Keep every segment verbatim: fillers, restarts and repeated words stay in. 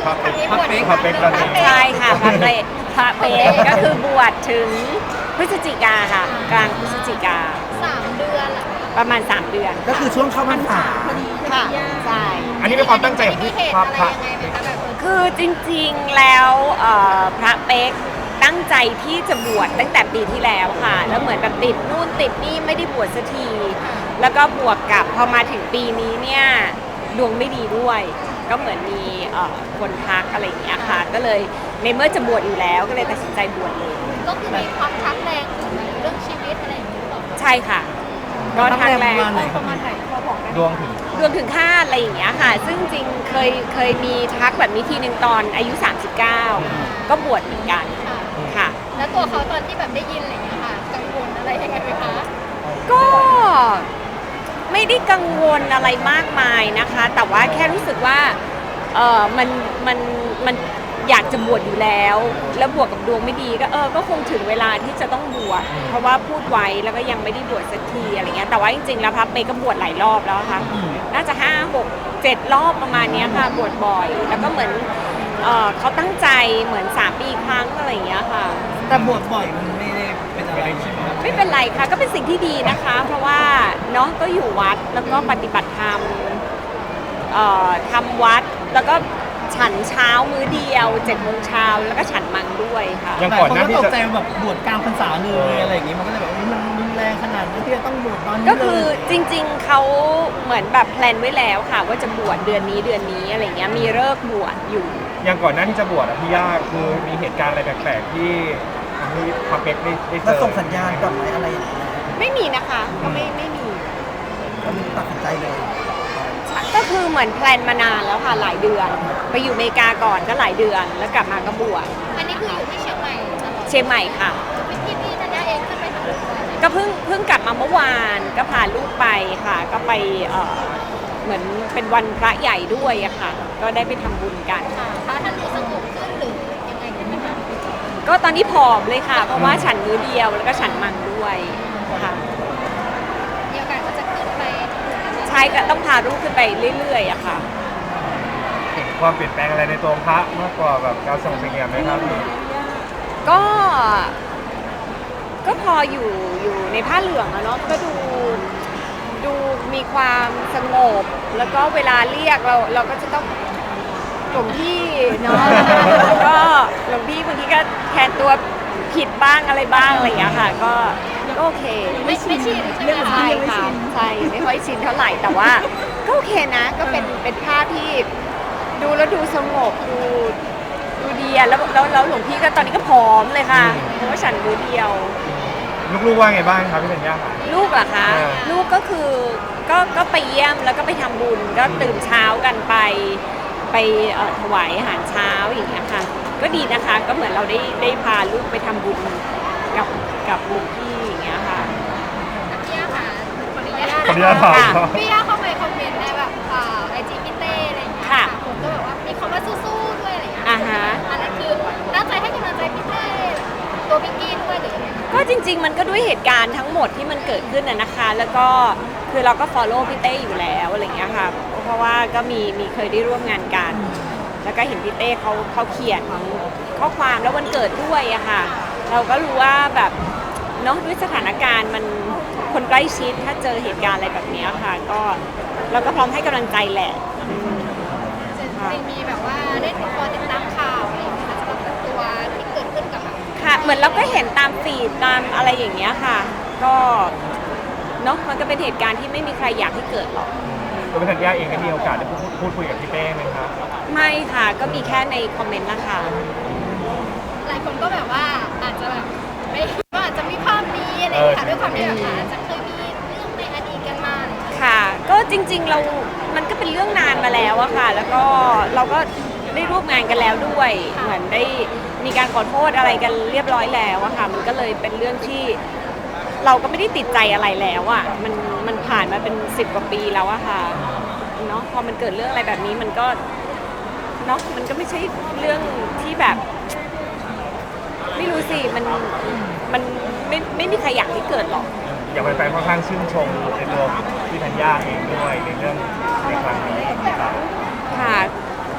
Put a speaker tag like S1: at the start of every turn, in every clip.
S1: ระเป๊ก
S2: พระเป๊ก
S1: พระเป๊กตอนนี้
S3: ใช่ค่ะพระเป๊กพระเป๊กก็คือบวชถึงพฤศจิกาค่ะกลางพฤศจิกา
S2: สามเดือนเหรอ
S3: ประมาณสามเดือน
S4: ก็คือช่วงเข้าพรรษา
S3: ค่ะใช่
S1: อันนี้เป็นความตั้งใจของ
S2: มี
S1: พี่
S2: เหตุ
S1: พระ
S2: อะไร
S1: พระ
S2: ยังไงไหมคะแบบเออ
S3: คือจริงๆแล้วเอ่อพระเป๊กตั้งใจที่จะบวชตั้งแต่ปีที่แล้วค่ะแล้วเหมือนแบบติดนู่นติดนี่ไม่ได้บวชสักที แล้วก็บวกกับพอมาถึงปีนี้เนี่ยดวงไม่ดีด้วย ก็เหมือนมีเอ่อคนทักอะไรอย่างเงี้ยค่ะ ก็เลยในเมื่อจะบวชอยู่แล้วก็เลยตัดสินใจบวชเลย
S2: ก็คือมีความทักแรงถึงเรื่องชีวิตอะไรอย่างเงี้ยหรอ
S3: ใช่ค่ะก็ทักแรง
S4: ประมาณไหน
S2: ประมาณไหนพอบอกได้
S1: ดวงถึง
S3: รวมถึงค่าอะไรอย่างเงี้ยค่ะ ซึ่งจริงเคยเคยมีทักแบบนี้ทีหนึ่งตอนอายุ สามสิบเก้า ก็บวชเหมือนกัน
S2: ค่ะ
S3: ค่ะ
S2: แล้วตัวเขาตอนที่แบบได้ยินอะไรอย่างเงี้ยค่ะกังวลอะไรยังไงไหมคะ
S3: ก็ไม่ได้กังวลอะไรมากมายนะคะ แต่ว่าแค่รู้สึกว่าเออมันมันมันอยากจะบวชอยู่แล้ว แล้วบวกกับดวงไม่ดีก็เออก็คงถึงเวลาที่จะต้องบวชเพราะว่าพูดไว้แล้วก็ยังไม่ได้บวชสักทีอะไรเงี้ยแต่ว่าจริงๆแล้วพระเปก็บวชหลายรอบแล้วค่ะน่าจะห้าหกเจ็ดรอบประมาณเนี้ยค่ะบวชบ่อย แล้วก็เหมือนเออเขาตั้งใจเหมือนสามปีครั้งอะไรอย่างเงี้ยค่ะ
S4: แต่บวชบ่อยมันไม่ได้เป็นอะไรใช่ไหมครับ
S3: ไม่เป็นไรค่ะก็เป็นสิ่งที่ดีนะคะ เพราะว่าเนาะก็อยู่วัดแล้วก็ปฏิบัติธรรมเอ่อทำวัดแล้วก็ฉันเช้ามื้อเดียวเจ็ดโมงเช้าแล้วก็ฉันมังด้วยค่ะ
S1: ยัง
S4: หลาย
S1: ก่อน
S4: คน
S1: หน้า
S4: ก็
S1: ที่
S4: ตก
S1: จะ
S4: ใจแบบบวชกลางพรรษาเลยอะไรอย่างงี้มันก็เลยแบบอุ๊ยมันรุนแรงขนาดนั้นที่จะต้องบวชตอนนี้
S3: ก็คือ
S4: เลย
S3: จริงๆเขาเหมือนแบบแพลนไว้แล้วค่ะ ว่าจะบวชเดือนนี้เดือนนี้อะไรเงี้ยมีเลิกษ์บวชอยู่
S1: ยังก่อนหน้าที่จะบวชอะพี่ย่าคือมีเหตุการณ์อะไรแปลกๆที่ทำให้พระเป๊กได้ได้เจ
S4: แล้ว
S1: อ
S4: ส่งสัญญาณก่อนไหมอะไรอย่างเงี้ย
S3: ไม่มีนะคะก็ไม่ไม่มี
S4: ก็มีตัดสินใจเลย
S3: ก็คือเหมือนแพลนมานานแล้วค่ะหลายเดือน ไปอยู่อเมริกาก่อนก็หลายเดือนแล้วกลับมาก็บวช
S2: อันนี้คืออยู่ที่เชียงใหม่ตลอด
S3: เชียงใหม่ค่ะ
S2: พี่พี่ธัญญาเองขึ้นไปทำบุญบ่อยไหม
S3: ก็เพิ่งเพิ่งกลับมาเมื่อวานก็พาลูกไปค่ะ ก็ไปเอ่อเหมือนเป็นวันพระใหญ่ด้วยอะค่ะ ก็ได้ไปทำบุญกัน
S2: ค่ะพระท่านดูสงบขึ้นหรือยังไงขึ้นไหมคะ
S3: ก็ตอนนี้ผอมเลยค่ะ เพราะว่าฉันมื้อเดียวแล้วก็ฉันมังด้วยค่ะ
S2: มีโอกาสก็จะขึ้นไปทำบุญกัน
S3: ใช่ก็ต้องพาลูกขึ้นไปเรื่อยๆอะค่ะ
S1: เห็นความเปลี่ยนแปลงอะไรในตัวพระมากกว่าแบบการส่งสัญญาณไหมครับพี่
S3: ก็ ก็พออยู่อยู่ในผ้าเหลืองอะเนาะก็ดูดูมีความสงบ แล้วก็เวลาเรียกเราเราก็จะต้องหลวงพี่เนาะแล้วก็หลวงพี่บางทีก็แทนตัวผิดบ้างอะไรบ้างอะไรอย่างเงี้ยค่ะ ก็ก็โอเค
S2: ไม่ไม่ชินใช่ไหมคะ
S3: ใช่ค่ะใช่ไม่ค่อยชินเท่าไหร่แต่ว่าก็โอเคนะ ก็เป็นเป็นภาพที่ดูแล้วดูสงบดูดูดีอะแล้วแล้วแล้วหลวงพี่ก็ตอนนี้ก็ผอมเลยค่ะเพราะว่าฉันมือเดียว
S1: ลูกๆว่าไงบ้างครับพี่ธัญญาครับ
S3: ลูกเหรอคะ
S1: เออ
S3: ลูกก็คือก็ก็ไปเยี่ยมแล้วก็ไปทำบุญก็ตื่นเช้ากันไปไปเอ่อถวายอาหารเช้าอย่างเงี้ยค่ะ ก็ดีนะคะก็เหมือนเราได้ได้พาลูกไปทำบุญกับกับหลวงพี่อย่างเงี้ยค่ะ
S2: พี่ย่าค่ะขออนุญาต
S1: ขออนุญาตถาม
S3: ค่ะ
S1: ครับ
S2: พี่ย่าเข้าไปคอมเมนต์ในแบบอ่าไอจีพี่เต้อะไรอย่างเงี้ย
S3: ค่ะ
S2: ผมก็แบบว่ามีคำว่าสู้ๆด้วยอะไรอย่างเงี้ย
S3: อ่าฮะ
S2: อันนั้นคือตั้งใจให้กำลังใจพี่เต้ตัวพี่กี้ด้วยหรือยังไงคะ
S3: ก็จริง ๆ มันก็ด้วยเหตุการณ์ทั้งหมดที่มันเกิดขึ้นน่ะนะคะ แล้วก็คือเราก็ follow พี่เต้อยู่แล้วอะไรเงี้ยค่ะ เพราะว่าก็มีมีเคยได้ร่วมงานกัน แล้วก็เห็นพี่เต้เขาเขาเขียนข้อความแล้ววันเกิดด้วยอะค่ะ เราก็รู้ว่าแบบเนาะด้วยสถานการณ์มันคนใกล้ชิดถ้าเจอเหตุการณ์อะไรแบบเนี้ยค่ะ ก็เราก็พร้อมให้กำลังใจแหละอืม
S2: จะมีแบบว่าได้ติดตามติดตามข่าวอะไรอย่างเงี้ยสำหรับตัวที่เกิดขึ้นกับแบบ
S3: ค่ะเหมือนเราก็เห็นตามฟีดตามอะไรอย่างเงี้ยค่ะ ก็เนาะมันก็เป็นเหตุการณ์ที่ไม่มีใครอยากให้เกิดหรอก
S1: ตัวพี่ธัญญาเองได้มีโอกาสได้พูดพูดคุยกับพี่เป้ไหมครับ
S3: ไม่ค่ะก็มีแค่ในคอมเมนต์นะคะ
S2: หลายคนก็แบบว่าอาจจะแบบไม่ก็อาจจะมีภาพนี้อะไรอย่างเงี้ยค่ะด้วยความที่แบบอาจจะเคยมีเรื่องในอดีตกันมาอะไรอย่างเงี้ย
S3: ค่ะ ก็จริงๆเรา มันก็เป็นเรื่องนานมาแล้วอะค่ะ แล้วก็เราก็ได้ร่วมงานกันแล้วด้วย เหมือนได้มีการขอโทษอะไรกันเรียบร้อยแล้วอะค่ะ มันก็เลยเป็นเรื่องที่เราก็ไม่ได้ติดใจอะไรแล้วอะมันมันผ่านมาเป็นสิบกว่าปีแล้วอะค่ะเนาะพอมันเกิดเรื่องอะไรแบบนี้มันก็เนาะมันก็ไม่ใช่เรื่องที่แบบ ไม่รู้สิมันมันไม่ไม่มีใครอยากให้เกิดหรอก
S1: อย่างแฟนๆค่อนข้างชื่นชมในตัวพี่ธัญญาเองด้วยในเรื่องในครั้งนี้ครับ
S3: ค่ะ ก็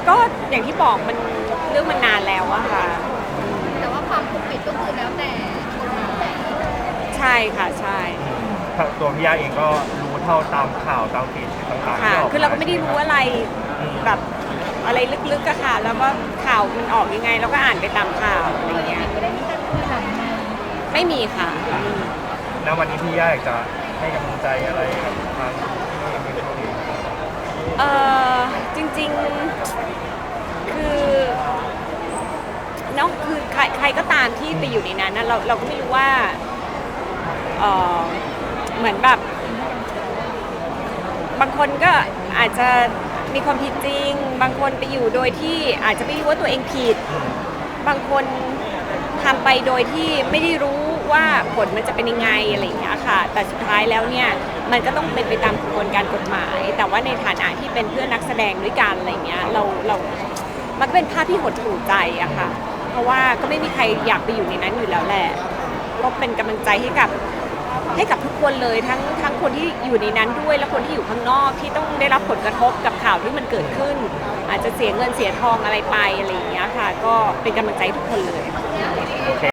S3: อย่างที่บอกมันเรื่องมันนานแล้วอะค่ะ
S2: แต่ว่าความปกปิดก็คือแล้วแต่กฎหมาย
S3: ใช่ค่ะใช่
S1: ตัวพี่ย่าเองก็รู้เท่าตามข่าวตามฟีดต่างๆ
S3: ค่ะ
S1: ที่ออก
S3: คือเราก็ไม่ได้รู้อะไร
S1: อืม
S3: แบบอะไรลึกๆอะค่ะ แล้วก็ข่าวมันออกยังไงเราก็อ่านไปตามข่าวอะไรเงี้ย
S2: ไม่ได้มีการคุยแบบนั้น
S3: ไม่มีค่ะ
S1: ณวันนี้พี่ย่าอยากจะให้กำลังใจอะไรกับทางที่มีคนอื่น
S3: เออจริงๆคือเนาะคือใครใครก็ตามที่ไปอยู่ในนั้นนะเราเราก็ไม่รู้ว่าเออเหมือนแบบ บางคนก็อาจจะมีความผิดจริง บางคนไปอยู่โดยที่อาจจะไม่รู้ว่าตัวเองผิด บางคนทำไปโดยที่ไม่ได้รู้ว่าผลมันจะเป็นยังไงอะไรอย่างเงี้ยค่ะ แต่สุดท้ายแล้วเนี่ยมันก็ต้องเป็นไปตามกระบวนการกฎหมาย แต่ว่าในฐานะที่เป็นเพื่อนนักแสดงด้วยกันอะไรเงี้ยเราเรา มันก็เป็นภาพที่หดหู่ใจอะค่ะ เพราะว่าก็ไม่มีใครอยากไปอยู่ในนั้นอยู่แล้วแหละ ก็เป็นกำลังใจให้กับให้กับทุกคนเลยทั้งทั้งคนที่อยู่ในนั้นด้วยและคนที่อยู่ข้างนอกที่ต้องได้รับผลกระทบกับข่าวที่มันเกิดขึ้น อาจจะเสียเงินเสียทองอะไรไปอะไรอย่างเงี้ยค่ะ ก็เป็นกำลังใจให้ทุกคนเลย
S1: โอเค